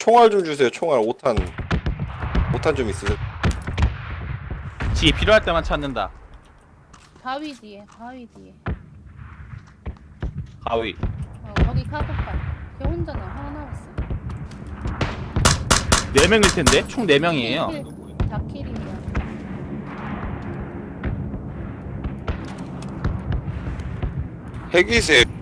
총알 좀 주세요. 총알 5탄. 5탄 좀 있으세요? 지 필요할 때만 찾는다. 바위 뒤에, 바위 뒤에. 가위. 거기 카고팔. 걔 혼자나 하나 남았어. 4명일 텐데? 총 4명이에요. 다킬이야. 핵이세요?